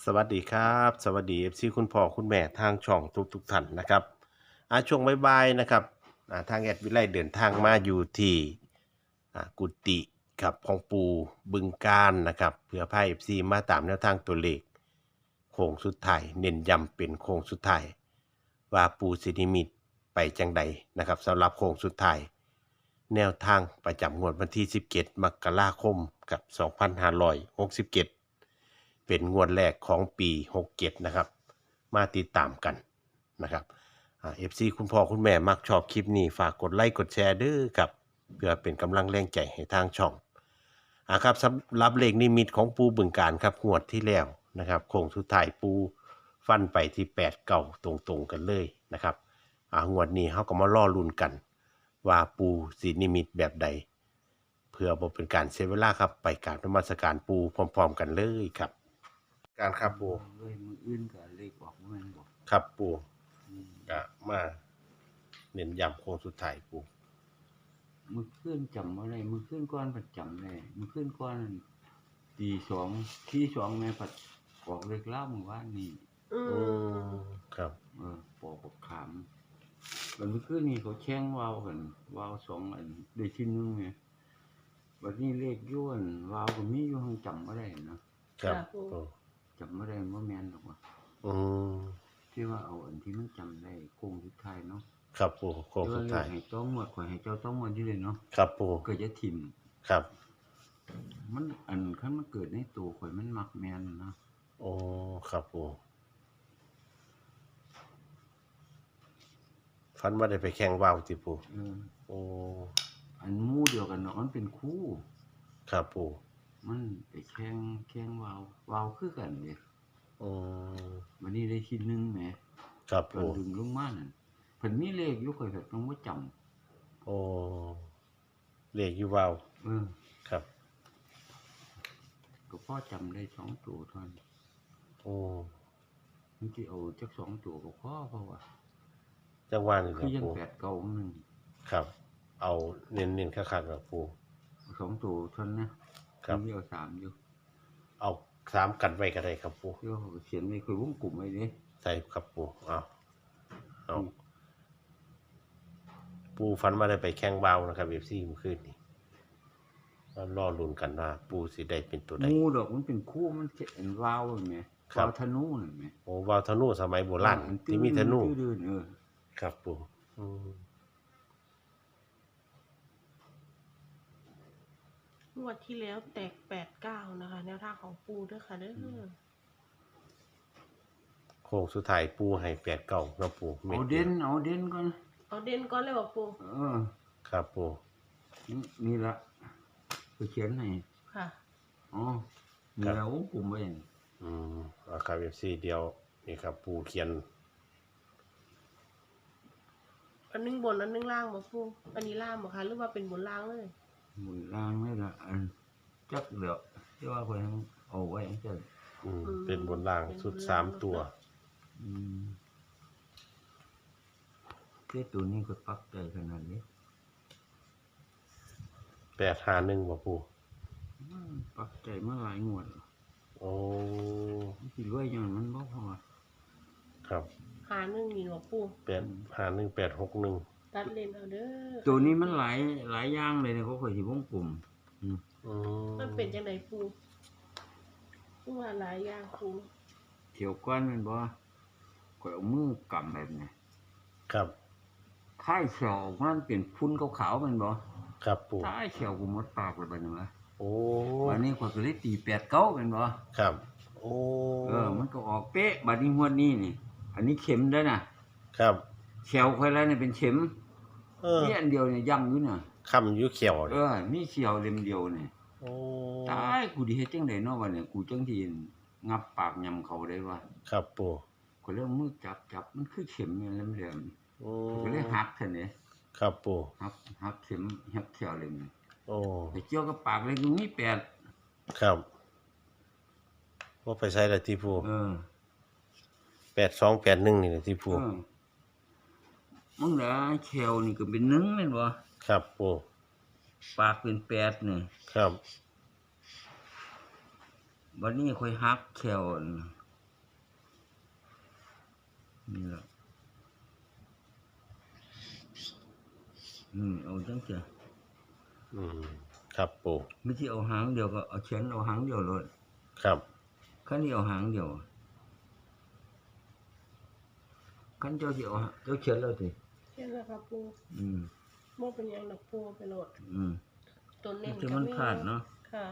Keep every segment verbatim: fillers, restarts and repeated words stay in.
สวัสดีครับสวัสดี เอฟ ซี คุณพ่อคุณแม่ทางช่องทุกทุกท่านนะครับอาช่วงบ่ายๆนะครับอ่าทางแอดวิไลเดินทางมาอยู่ที่อ่ากุฏิกับของปูบึงการนะครับเพื่อพา เอฟ ซี มาตามแนวทางตัวเลขโค้งสุดท้ายเน้นย้ำเป็นโค้งสุดท้ายว่าปูสินิมิตไปจังใดนะครับสำหรับโค้งสุดท้ายแนวทางประจำงวดวันที่สิบเจ็ดมกราคมกับสองพันห้าร้อยหกสิบเจ็ด เป็นงวดแรกของปีหกเจ็ดนะครับมาติดตามกันนะครับเอฟซีคุณพ่อคุณแม่มักชอบคลิปนี้ฝากกดไลค์กดแชร์ด้วยครับเพื่อเป็นกำลังแรงใจให้ทางช่องอ่าครับสำหรับเลขนิมิตของปูบึงการครับงวดที่แล้วนะครับโค้งสุดท้ายปูฟันไปที่แปดเก่าตรงๆกันเลยนะครับอ่างวดนี้เขาก็มาล่อลุ้นกันว่าปูสีนิมิตแบบใดเพื่อบ่เป็นการเสียเวลาครับไปกราบนมัสการปูพร้อมๆกันเลยครับ การครับปูเลยมืออื่นก็เลขออกมันบอกครับปูอืมกะมาเน้นย้ำโค้งสุดท้ายปูมือขึ้นจำอะไรมือขึ้นก้อนผัดจำเลยมือขึ้นก้อนตีสองที่สองแม่ผัดออกเลขเล่ามือว่านี่อืมครับเออปอกปกขามวันมือขึ้นนี่เขาแช่งวาวกันวาวสองอันได้ชิ้นนึงไงวันนี้เลขย้วนวาวก็มีอยู่ห้องจำอะไรนะครับปูจำอะไรว่าแมนหรอกว่าอืมที่ว่าเอาอันที่มันจำได้โค้งสุดท้ายเนาะครับปูโค้งที่ว่าเลสุดท้าขยให้ต้องหมดข่อยให้เจ้าต้องหมดที่เลยเนาะครับปูเกิดจะถิ่มครับมันอันคันมันเกิดในตัวข่อยมันมักแม่นนะโอ้ครับปูฟันว่าได้ไปแข่งว่าวติปูเออโอ้อันหมู่เดียวกันเนาะมันเป็นคู่ครับปูมันไปแข่งแข่งวาววาวคือกันเด้อืมวันนี้ได้ชิ้นหนึงแหมครับตอนปูดึงลงมานั่นเพิ่นมีเลขอยู่ข่อยก็ต้องบ่จำโอ้เลขอยู่ว่าวเออครับก็พอจำได้สองตัวเท่านั้นโอ้มันสิเอาจักสองตัวก็พอเพราะว่าจังหวะนี่คคือยังรับปูแปดเก้านึงครับเอาเน้นๆคักๆครับปูสองตัวเท่านั้นนะครับมีเอาสามอยู่เอาสามกันไว้ก็ได้ครับปูเดี๋ยวเขาก็เขียนไว้คือวงกลุ่มไว้เด้ใส่ครับปูเอาเอาปูฟันมาได้ไปแข่งเบานะครับเอฟซีเมื่อคืนนี้ก็รอลุ้นกันว่าปูสิได้เป็นตัวใดงูดอกมันเป็นคู่มันเห็นวาวเห็นไหมครัวาบวธนูเห็นไหมโอ้วาวธนูสมัยโบราณอันที่มีธนูตื้อๆเออครับปูอืมงวดที่แล้วแตกแปดเก้านะคะ แนวทางของปูด้วยค่ะเด้อโค้งสุดท้ายปูให้แปดเก้าเนาะปูม็เอาดเด่นเอาเด่นก่อนเอาเด่นก่อนเลยบอกปูเออครับปูนี่นี่ละไปเขียนให้ค่ะอ๋อมีแล้ววงกลุ่มไว้นี่อืมเอาครับเอฟซีเดียวนี่ครับปูเขียนอันนึงบนอันนึงล่างบอกปูอันนี้ล่างบอกคะหรือว่าเป็นบนล่างเลยหมุนล่างนี่ละอันจักเหลือที่ว่าคนเอาไว้จังอืมเป็นบนล่างสุดสามตัวอืมเจ้าตัวนี้ก็ปักใจขนาดนี้แปดห้าหนึ่งบ่ปูอืมปักใจมาหลายงวดแล้วโอ้มันสิรวยอย่างมันบ่พอครับหาหนึ่งนี่บอกปูแปดห้าหนึ่งแปดหกหนึ่งตัดเลนเอาเด้อตัวนี้มันหลายหลายอย่างเลยเนี่ยเขาเคยสิวงกลุ่มอืมอืมมันเป็นยังไงปูปูว่าหลายอย่างปูเที่ยวก้อนแมันบ่ข่อยเอามือกำแบบนี้ครับท้ายเขียวมันเป็นพุ่นขาวๆแมันบ่ครับปูท้ายเขียวกูหมดปากเลยบัดนี้วะโอ้วันนี้ข่อยก็เลยตีแปดเก้าแม่นบ่ครับ โอ้เออมันก็ออกเป๊ะบัดนี้งวดนี้นี่ อันนี้เข็มเด้อน่ะครับเขียวข่อยแล้วนี่เป็นเข็มเออนี่อันเดียวเนี่ยย่ำอยู่น่ะคำอยู่เขียวเอนี่อมีเขียวเล่มเดียวนี่โอ้ตายกูสิเฮ็ดจังได๋เนาะบัดนี้กูจังสิงับปากยำเขาได้วะครับปูก็เลยเอามือจับจับมันคือเข็มอย่างแหลมโอ้ๆก็เลยหักซั่นเด้ครับปูหักหักเข็มหักเขียวเลยนี่โอ้ไปเกี่ยวกับปากเลยตรงนี้แปดครับว่าไปใช้อะไรที่ปูเออแปดสองแปดหนึ่งนี่แหละที่ปูเออมึงได้เขียวนี่ก็เป็นหนึ่งแม่นบ่ครับปูปากเป็นแปดนี่ครับบัดนี้ค่อยหักเขียวนี่นี่ล่ะอืมเอาจังซี่อืมครับปูไม่ใช่เอาหางเดียวก็เอาเขียนเอาหางเดียวเลยครับคันนี้เอาหางเดียวคันเจ้าสิเอาหางเจ้าเขียนแล้วสิเช่นนะคะปูอืมโม่เป็นหยังดอกปูไปโหลดอืมตัวเน้นที่มันขาดเนาะค่ะ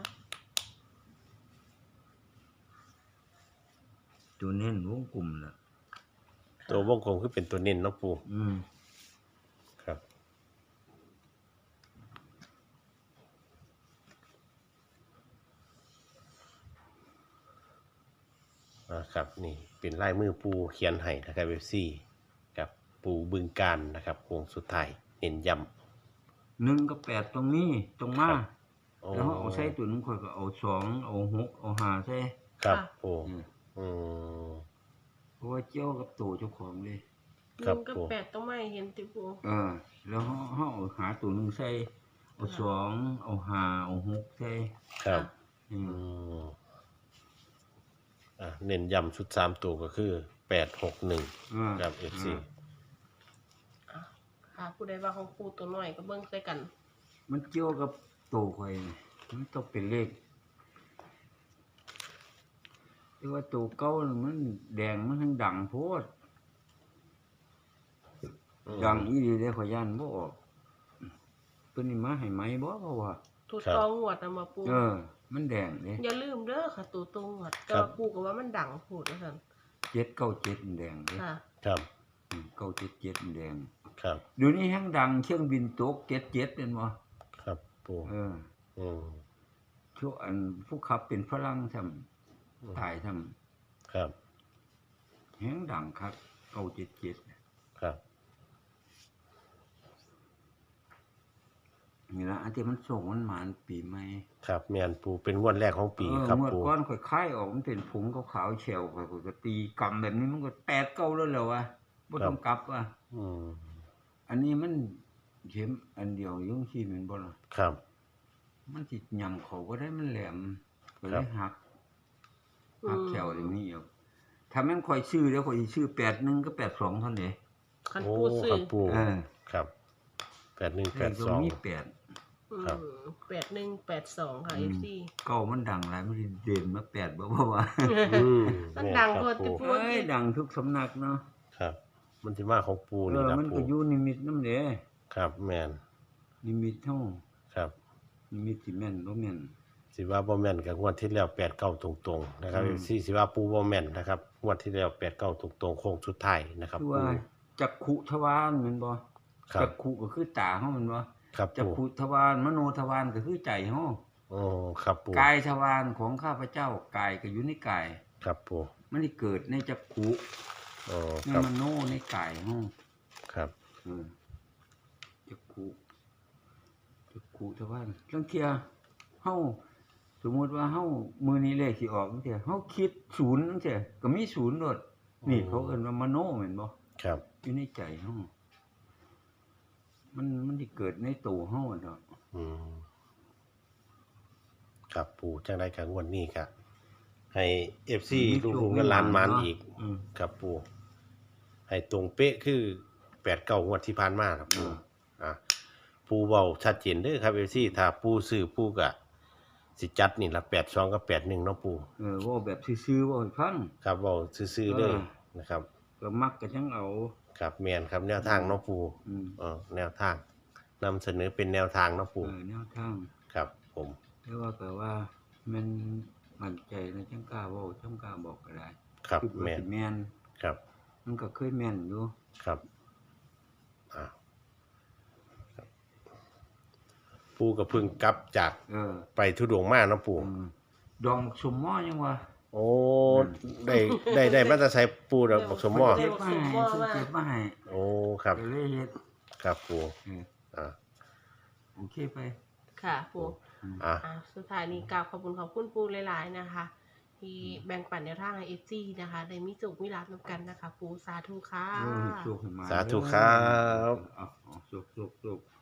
ตัวเน้นวงกลมล่ะตัววงกลมคือเป็นตัวเน้นเนาะปูอืมครับอ่าครับนี่เป็นลายมือปูเขียนให้นะครับเอฟซีกับปูบึงการนะครับโค้งสุดท้ายเน้นย้ำหนึ่งกับแปดตรงนี้ตรงมาครับ โอ้แล้วเขาเอาใส่ตัวหนึงข่อยก็เอาสองเอาหกเอาห้าใส่ครับค่ะปูอืมอืมเพราะว่าเจ้ากับตัวเจ้าของเลยหครับนึ่งกับปูแปดต้องไม่เห็นติปูเออ แล้วเขาเขาเอาหาตัวหนึงใส่เอาสองเอาห้าเอาหกใส่ครับอือืมมอ่ะเน้นย้ำชุดสามตัวก็คือแปดหกหนึ่งอ่าครับเอฟซีอ่าค่ะผู้ใดว่าของปูตัวน้อยก็เบิ่งใส่กันมันเกี่ยวกับตัวข่อยนี่มันต้องเป็นเลขแต่ว่าตัวเก่าน่ะมันแดงมันทั้งดังโพดดังอีหลีเด้ข่อยย่านบ่ออกเพิ่นนี่มาให้ไหมบ่เพราะว่าตัวตองหวดนะมาปูเออ มันแดงเด้อย่าลืมเด้อค่ะตัวตองหวดแต่ว่าปูก็ว่ามันดังโพูดว่าซั่นเจ็ดเก้าเจ็ดมันแดงเด้ค่ะครับอืมเก้าเจ็ดเจ็ดมันแดงครับเดี๋ยวนี้แฮงดังเครื่องบินตกเจ็ดเจ็ดเห็นบ่ครับปูเอออืมช่วงอันผู้ขับเป็นฝรั่งซ้ำตายซ้ำครับแฮงดังคักเก้าเจ็ดเจ็ดครับนี่ล่ะอันที่มันส่งมันหมานปีใหม่ครับเมียนปูเป็นงวดแรกของปีเออครับเมื่อปูก่อนข่อยคายออกมันเป็นผงขาวๆเฉวข่อยก็ตีกำแบบนี้มันก็แปดเก้าแล้วแหล้ววะบ่ต้องกลับว่ะอืมอันนี้มันเข็มอันเดียวยุ่งขี้แม่นบ่ล่ะครับมันสิยำเขาบ่ได้มันแหลมก็เลครัยบหักอืมหักแขวอย่างนี้เอาถ้าแม่นข่อยชื่อแล้วข่อยสิชื่อแปดหนึ่งก็แปดสองเท่านั้นเด้คันโอ้ปูซื้คอรับปูเออครับแปดหนึ่งเลแปขดตรสอง งนี้แปดอืครับมแปดหนึ่งแปดสองค่ะอืเอมฟซีเก้ามันดังหลายมันสิเด่นมาแปดบ่บ่ว่าอืมมันแม่นดังครับโพดปูติปูเอ้ยดังทุกสำนักเนาะครับ มันที่มาของปูเอนี่อนะมันปูก็อยู่นิมิตนำเด้ครับแมนนิมิตเฮาครับนิมิตสิแม่นบ่แม่นสิว่าบ่แม่นกับงวดที่แล้วแปดเก้าตรงๆนะครับอืมสี่สิว่าปูบ่แม่นนะครับงวดที่แล้วแปดเก้าตรงๆโค้งสุดท้ายนะครับคือปูว่าจักขุทวารแม่นบ่ครัจับกขุก็คือตาเฮาแม่นบ่ครับจักปูขุทวารมโนทวารก็คือใจเฮาโอ้ครับปูกายทวารของข้าพเจ้ากายก็อยู่ในกายครับปูมันได้เกิดในจักขุโอ้ในครับมโนในกายเฮาครับเออจักขุจักขุทวารลางเที่ยเฮาสมมุติว่าเฮามื้อนี้เลขสิออกจังซี่เฮาคิดศูนย์จังซี่ก็มีศูนย์โดดนี่เขาเอิ้นว่ามโนแม่นบ่ครับอยู่ในใจเฮามันมันสิเกิดในตัวเฮาอะเนาะอืมครับปูจังไดกับงวดนี้ครับให้ เอฟ ซี ลุงๆและหลานมานอีกอืมครับปูให้ตรงเป๊ะคือแปดเก้างวดที่ผ่านมาครับปูอืมอ่ะปูเว้าชัดเจนเด้อครับ เอฟ ซี ถ้าปูซื้อปูก็สิจัดนี่ละแปดสองกับแปดหนึ่งเนาะปูเออเว่าแบบซื่อๆเว่าให้ฟังครับเว้าซื่อๆเด้อเออนะครับก็มักก็จังเอาครับแม่นครับแนวทางเนาะปูอืมเออแนวทางนำเสนอเป็นแนวทางเนาะปูเออแนวทางครับ ผมแต่ว่าก็ว่ามันมั่นใจนะจังกล้าเว้าจังกล้าบอกก็ได้ครับคิดว่าแม่นสิแม่นครับมันก็เคยแม่นอยู่ครับอ่าครับปูก็เพิ่งกลับจากเออไปทุดงค์มาเนาะปูอืมดองสมหม้อยังว่าโอ้ได้ได้ได้มาแตรใช้ปูดอกบักสมหมอเก็บมาให้ซื้อเก็บมาให้โอ้ครับก็เลยเฮ็ดครับปูเอออ่าโอเคไปค่ะปูอืมอ่าอ่าสุดท้ายนี้กราบขอบคุณขอบคุณปูหลายๆนะคะ ที่แบ่งปันแนวทางให้เอฟซีนะคะได้มีจุกมีรับนำกันนะคะ ปูสาธุค่ะเออให้โชคให้มาสาธุครับเอาเอาโชคโชคโชค